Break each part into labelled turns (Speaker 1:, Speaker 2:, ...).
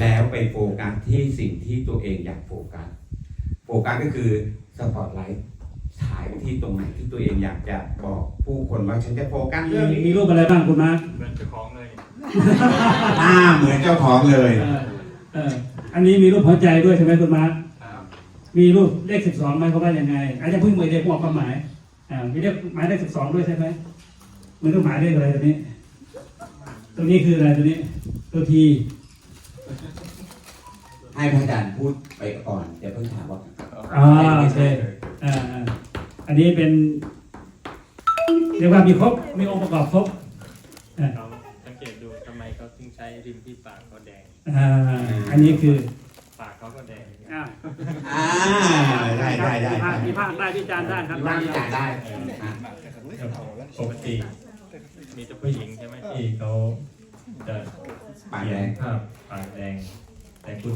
Speaker 1: แล้วไปโฟกัสที่สิ่งที่ตัวเองอยากโฟกัสก็คือสปอตไลท์ฉายไปที่ตรงไหนที่ตัวเองอยากจะบอกผู้คนว่าฉันจะโฟกัสเรื่องนี้
Speaker 2: มีรูปอะไรบ้างคุณมาร์ค
Speaker 3: เหมือนเจ้าของเลย
Speaker 1: เหมือนเจ้าของเลย
Speaker 2: อันนี้มีรูปหัวใจด้วยใช่ไหมคุณมาร์คมีรูปเลข12ไหมเขาว่ายังไงอาจจะเพิ่งมือเด็กบอกความหมายมีเลขหมายเลข12ด้วยใช่ไหมมันต้องหมายเลขอะไรตัวนี้คืออะไรตัวนี้ตัวที
Speaker 1: ให้พระอาจารย์พูดไปก่อนเดี๋ยวเพิ่งถามว่า
Speaker 2: โอเคอันนี้เป็นเรียกว่ามีครบมีองค์ประกอบครบ
Speaker 3: เราสังเกตดูทำไมเขาถึงใช้ริมที่ปากเขาแดง
Speaker 2: อันนี้คือ
Speaker 3: ปากเขาก็แดง
Speaker 1: ได้
Speaker 2: มีภาคใต้พิจารณ์ได้ครับ
Speaker 1: พิจารณ์ได้
Speaker 3: ปกติมีแต่ผู้หญิงใช่ไหมที่เขาจะ
Speaker 1: ปากแดง
Speaker 3: ภาพปากแดงแต่คุณ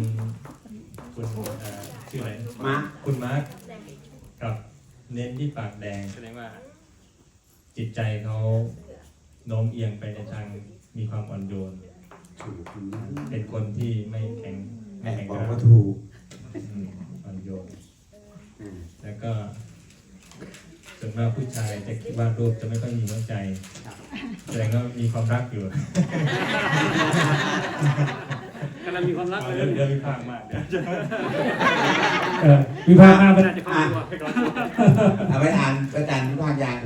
Speaker 3: ชื่ออะไรคุณมาร์คกับเน้นที่ปากแดงแสดงว่าจิตใจเขาโน้มเอียงไปในทางมีความอ่อนโยนเป็นคนที่ไม่แข็ง
Speaker 1: บอกว่าถูก
Speaker 3: อ่อนโยนแล้วก็ส่วนมากผู้ชายจะคิดว่ารูปจะไม่ค่อยมีหัวใจแสดงว่ามีความรักอยู่
Speaker 2: กำลังมีความรักเลย
Speaker 3: เดี๋ยวมีภาคมาก
Speaker 2: มีภาคมากไม่น่าจะเข้าตัว
Speaker 1: เอาไปอ่านอาจารย์มีภาคยัง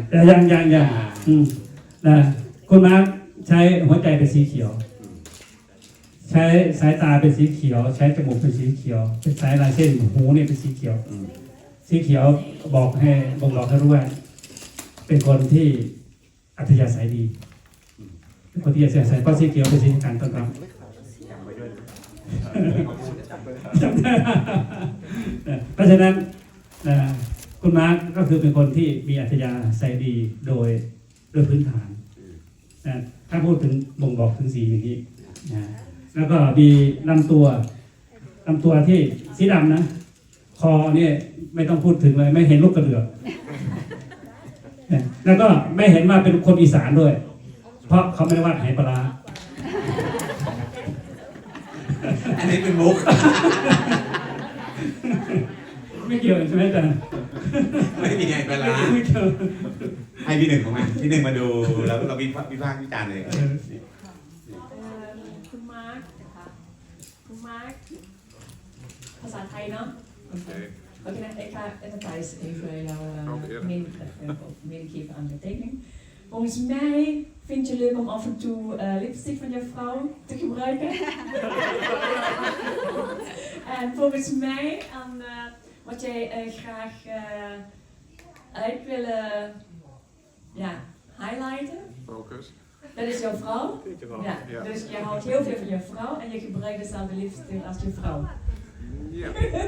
Speaker 2: นะคุณมาใช้หัวใจเป็นสีเขียวใช้สายตาเป็นสีเขียวใช้จมูกเป็นสีเขียวเป็นสายลายเส้นหูเนี่ยเป็นสีเขียวสีเขียวบอกให้บ่งบอกให้รู้ว่าเป็นคนที่อัธยาศัยดีเป็นคนที่อัธยาศัยเพราะสีเขียวเป็นสีการต้อนรับเพราะฉะนั้นคุณมาร์คก็คือเป็นคนที่มีอัธยาศัยดีโดยพื้นฐานถ้าพูดถึงบ่งบอกถึงสีอย่างนี้แล้วก็มีลำตัวที่สีดำนะคอเนี่ยไม่ต้องพูดถึงเลยไม่เห็นลูกกระเดือกแล้วก็ไม่เห็นว่าเป็นคนอีสานด้วยเพราะเขาไม่ได้วาดไหปลา
Speaker 1: อันนี้เป็นมุก
Speaker 2: ไม่เกี่ยวใช่ไหมจ๊ะ
Speaker 1: ไม่มีไงปลาให้พี่หนึ่งของมันพี่หนึ่งมาดูแล้วเราวิพากษ์วิจารณ์เลย
Speaker 4: คุณมาร์คนะคะคุณมาร์คภาษาไทยเนาะOké, even Thijs, even jouw medegeven aan de tekening. Volgens mij vind je leuk om af en toe lipstick van je vrouw te gebruiken. En volgens mij, wat jij graag uit willen highlighten.
Speaker 5: Focus.
Speaker 4: Dat is jouw vrouw. Ja, dus je houdt heel veel van je vrouw en je gebruikt dezelfde lipstick als je vrouw.
Speaker 5: Ja.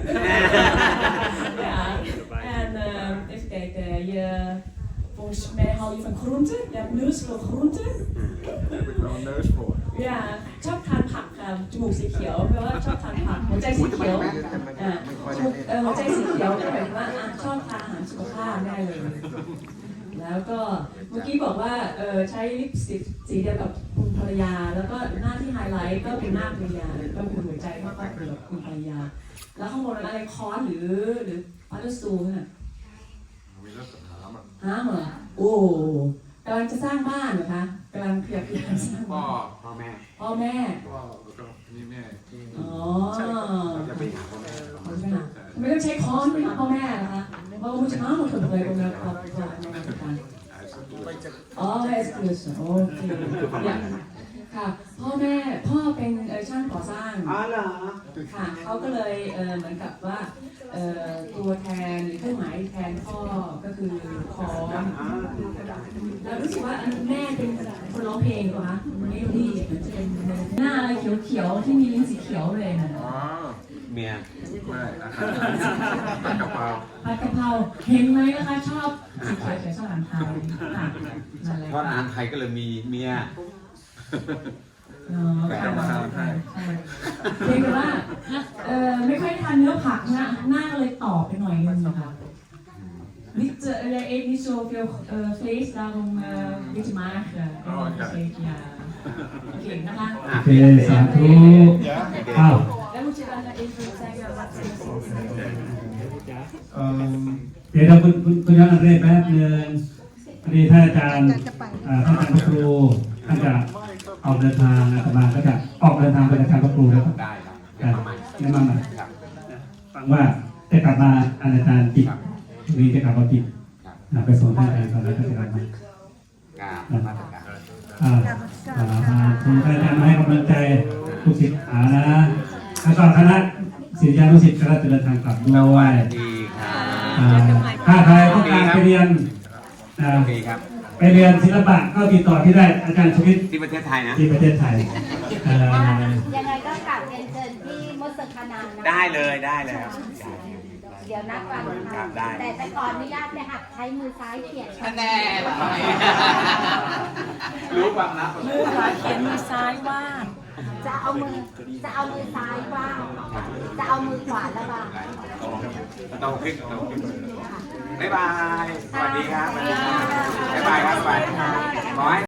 Speaker 4: En even kijken, volgens mij hou je van groenten. Je hebt neus voor groenten.
Speaker 5: Daar heb ik wel een neus voor.
Speaker 4: Ja, ชอบทานผักค่ะจมูกสีเขียวแปลว่าชอบทานผักหัวใจสีเขียวหัวใจสีเขียวก็หมายถึงว่าชอบทานอาหารสุขภาพได้เลยแล้วก็เมื่อกี้บอกว่าใช้ลิปสติกสีเดียวกับคุณภรรยาแล้วก็หน้าที่ไฮไลท์ก็เป็นหน้าภรรยาก็คือหัวใจก็เป็นแบบคุณภรรยาแล้วข้างบนอะไรค้อนหรือพัลซูน่ะ
Speaker 5: มีลักษณะ
Speaker 4: หามเหรอโอ้กำลังจะสร้างบ้านเหรอคะกำลังพยายามสร้างบ้าน
Speaker 5: พ่อแม่
Speaker 4: พ่อแล้ว
Speaker 5: ก็นี่แม่
Speaker 4: อ๋อ
Speaker 5: จะไปหาพ่อแม่
Speaker 4: ไม่ต้องใช้ค้อนไปหาพ่อแม่นะคะเพราะว่าจะมาหมดเลยตรงนั้นครับอ๋อไอซ์คลูสโอเคค่ะพ่อเป็นช่างก่อสร้างค่ะเขาก็เลยเหมือนกับว่าตัวแทนหรือเครื่องหมายแทนพ่อก็คือค้อนแล้วรู้สึกว่าแม่เป็นคนร้องเพลงเหรอคะเมโลดี้เหมือนจะเป็นหน้าอะไรเขียวๆที่มีลิ้นสีเขียวเลยนะ
Speaker 1: เมีย
Speaker 5: ไม่ผัดกะเพรา
Speaker 4: เห็นไหมนะคะชอบสีเขียวชอบอาหารไทย
Speaker 1: ชอบอาหารไทยก็เลยมีเมีย
Speaker 5: แต่กะเพราไทย
Speaker 4: เพียงแต่ว่าไม่ค่อยทานเนื้อผักนะหน้าก็เลยตอบไปหน่อยนึงนะคะ Niet, hij eet niet zoveel vlees, daarom een beetje mager. Ja. Oké, dan gaan
Speaker 2: โอเคสาธุอ้าว
Speaker 4: Dan moet je dan even zeggen wat ze zeggen.
Speaker 2: เดี๋ยวเราคุณย้อนอันแรกแป๊บนึงพอดีท่านอาจารย์ท่านอาจารย์พระครูท่านจะออกเดินทางอาตมาก็จะออกเดินทางไปอาจารย์พระครูแล้ว
Speaker 1: ได้ครับเดี๋ยวมาใหม่
Speaker 2: แนะนำหน่อย
Speaker 1: ครับ
Speaker 2: ฟังว่าจะกลับมาอาจารย์ปิดวีจะกลับมาปิด
Speaker 1: ครับ
Speaker 2: ไปส่งท่านอาจารย์ก่อนแล้วก็จะกลับมา
Speaker 1: มาตรการ
Speaker 2: คุณท่านอาจารย์มาให้กำลังใจลูกศิษย์นะแล้วก็คณะศิษยานุศิษย์ก็จะเดินทางกลับด้วย
Speaker 1: ดีครับ
Speaker 2: ถ้าใครต้องการไปเรียน
Speaker 1: โอเคครับ
Speaker 2: ไปเรียนศิลปะก็ติดต่อที่ได้อาจารย์ชวิต
Speaker 1: ที่ประเทศไทยนะ
Speaker 2: ที่ประเทศไทย
Speaker 6: ยังไงก็กลับเรียนเชิญที่มดสคณานะ
Speaker 1: ได้เลยได้เลยครับ
Speaker 6: เดี๋ยวนัดวัน
Speaker 1: ครับได้
Speaker 6: แต่ขออนุญาตไปหัดใช้มือซ้ายเขียน
Speaker 1: แน่รู้ความลับ
Speaker 4: มือขวาเขียนมือซ้ายวาด
Speaker 6: จะเอามือซ้ายว่างจะเอามือขวาระบาย
Speaker 1: โตขึ้นบ๊ายบาย สวัสดีครับ บ๊ายบายครับบ๊ายบายขอให้